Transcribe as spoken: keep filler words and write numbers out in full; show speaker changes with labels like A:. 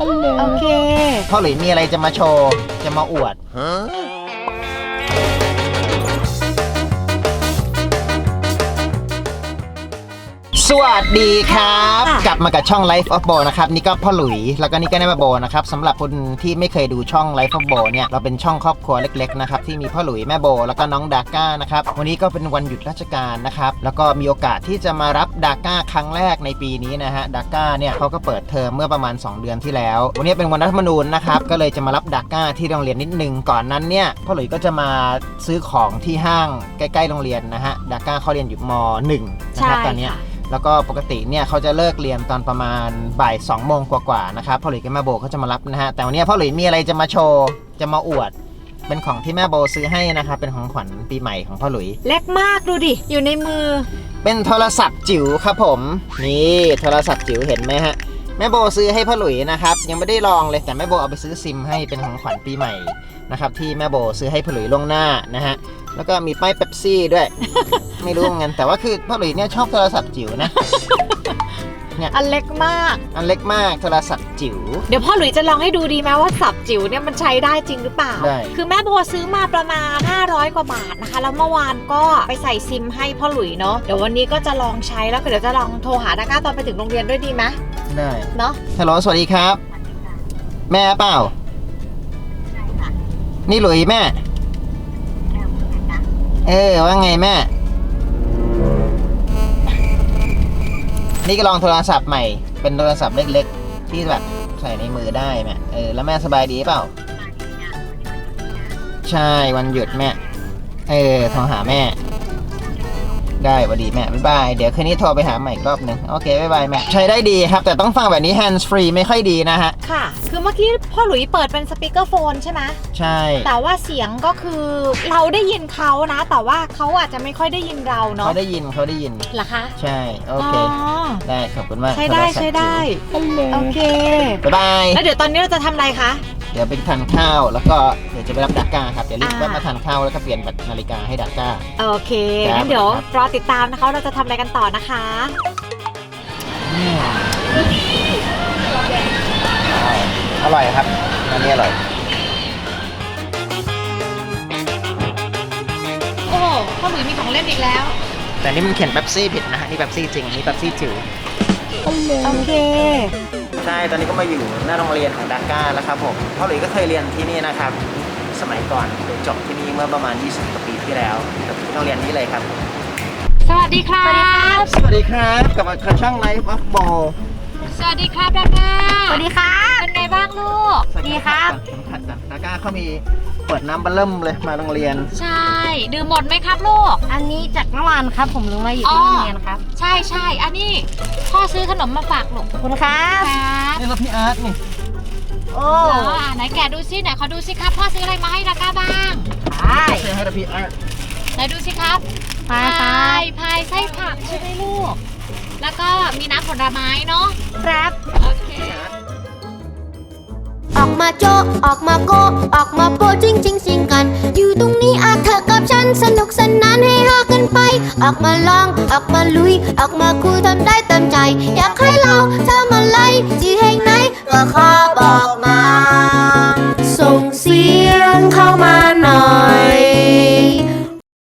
A: โอเค
B: พ่อหลุยมีอะไรจะมาโชว์จะมาอวดสวัสดีครับกลับมากับช่อง Life of Bo นะครับนี่ก็พ่อหลุยแล้วก็นี่ก็แม่โบนะครับสำหรับคนที่ไม่เคยดูช่อง Life of Bo เนี่ยเราเป็นช่องครอบครัวเล็กๆนะครับที่มีพ่อหลุยแม่โบแล้วก็น้องดาก้านะครับวันนี้ก็เป็นวันหยุดราชการนะครับแล้วก็มีโอกาสที่จะมารับดาก้าครั้งแรกในปีนี้นะฮะดาก้าเนี่ยเขาก็เปิดเทอมเมื่อประมาณสองเดือนที่แล้ววันนี้เป็นวันรัฐธรรมนูญนะครับก็เลยจะมารับดาก้าที่โรงเรียนนิดนึงก่อนนั้นเนี่ยพ่อหลุยก็จะมาซื้อของที่ห้างใกล้ๆโรงเรียนนะฮะดาก้าเขาเรียนอยู่ม.หนึ่ง นะครับตอนนี้แล้วก็ปกติเนี่ยเขาจะเลิกเรียนตอนประมาณบ่ายสองโมงกว่าๆนะครับพ่อหลุยกับแม่โบเขาจะมารับนะฮะแต่วันนี้พ่อหลุยมีอะไรจะมาโชว์จะมาอวดเป็นของที่แม่โบซื้อให้นะครับเป็นของขวัญปีใหม่ของพ่อหลุย
A: เล็กมากดูดิอยู่ในมือ
B: เป็นโทรศัพท์จิ๋วครับผมนี่โทรศัพท์จิ๋วเห็นไหมฮะแม่โบซื้อให้พ่อหลุยนะครับยังไม่ได้ลองเลยแต่แม่โบเอาไปซื้อซิมให้เป็นของขวัญปีใหม่นะครับที่แม่โบซื้อให้พ่อหลุยล่วงหน้านะฮะแล้วก็มีป้ายเป๊ปซี่ด้วย ไม่รู้เหมือนกันแต่ว่าคือพ่อหลุยเนี่ยชอบโทรศัพท์จิ๋วนะ
A: เนี่ยอันเล็กมาก
B: อันเล็กมากโทรศัพท์จิ๋ว
A: เดี๋ยวพ่อหลุยจะลองให้ดูดีไหมว่าสับจิ๋วเนี่ยมันใช้ได้จริงหรือเปล่าได้คือแม่โบซื้อมาประมาณห้าร้อยกว่าบาทนะคะแล้วเมื่อวานก็ไปใส่ซิมให้พ่อหลุยเนาะเดี๋ยววันนี้ก็จะลองใช้แล้วเดี๋ยวจะลองโทรหาดาก้าตอนไปถึงโรงเรียนด้วยดีไหม
B: ได้
A: เนาะ
B: ฮัลโหลสวัสดีครับแม่เปล่านี่หลุยแม่เออว่าไงแม่นี่ก็ลองโทรศัพท์ใหม่เป็นโทรศัพท์เล็กๆที่แบบใส่ในมือได้แม่เออแล้วแม่สบายดีเปล่าใช่วันหยุดแม่เออโทรหาแม่ได้สวัสดีแม่บ๊ายบายเดี๋ยวคืนนี้โทรไปหาใหม่อีกรอบนึงโอเคบ๊ายบายแม่ใช้ได้ดีครับแต่ต้องฟังแบบนี้ hands free ไม่ค่อยดีนะฮะ
A: ค่ะคือเมื่อกี้พ่อหลุยเปิดเป็นสปีกเกอร์โฟนใช่ไหม
B: ใช่
A: แต่ว่าเสียงก็คือเราได้ยินเขานะแต่ว่าเขาอาจจะไม่ค่อยได้ยินเราเนาะ
B: เขาได้ยินเขาได้ยิน
A: เหรอคะ
B: ใช่โอเคได้ขอบคุณมาก
A: ใช้ได้ใช้ได้โอเค
B: บ๊ายบาย
A: แล้วเดี๋ยวตอนนี้เราจะทำอะไรคะ
B: เดี๋ยวไปทานข้าวแล้วก็เดี๋ยวจะไปรับดาก้าครับเดี๋ยวรีบแวะมาทานข้าวแล้วก็เปลี่ยนแบตนาฬิกาให้ดาก้า
A: โอเคงั้นเดี๋ยวรอติดตามนะคะเราจะทำอะไรกันต่อนะคะ
B: อร่อยครับอันนี้อร่อย
A: โอ้พ่อหลุยมีของเล่นอีกแล้ว
B: แต่นี่มันเขียนเป๊ปซี่ผิดนะฮะนี่เป๊ปซี่จริงนี่เป๊ปซี่จิ๋ว
A: โอเค
B: ใช่ตอนนี้ก็มาอยู่หน้าโรงเรียนของดาก้าแล้วครับผมพ่อหลุยก็เคยเรียนที่นี่นะครับสมัยก่อนเคยจบที่นี่เมื่อประมาณยี่สิบกว่าปีที่แล้วที่โรงเรียนนี้เลยครับ
A: สวัสดีครับ
B: สวัสดีครับกับช่อง Life of Bo
A: สวัสดีครับดาก้าสวัสดีครับเป็นไงบ้างลูกดีครับ
B: ขัดดาก้าเขามีเปิดน้ำบัลเริ่มเลยมาโรงเรียน
A: ใช่ดื่มหมดไหมครับลูก
C: อันนี้จากเมื่อวานครับผมรู้มาอยู่ที่โรงเรียนครับ
A: ใช่ใช่อันนี้พ่อซื้อขนมมาฝากลูก
C: ขอบคุณครับ
B: นี่รถพี่อาร์ตนี่
A: โอ้ไหนแกะดูซิไหนขอดูซิครับพ่อซื้ออะไรมาให้ดาก้าบ้าง
B: ใช่ซื้อให้พี่อาร์ต
A: ไหนดูซิครับพายพายไส้ผักใช่ไหมลูกแล้วก็มีน้ำผลไม้เนาะครับโอเค
C: ออกมาโจออกมาโกออกมาโปจริงจริงสิงกันอยู่ตรงนี้อาเธอกับฉันสนุกสนานให้ฮากันไปออกมาลองออกมาลุยออกมาคุยทำได้เต็มใจอยากให้เราทำอะไรที่แห่งไหนก็ขอบอกมา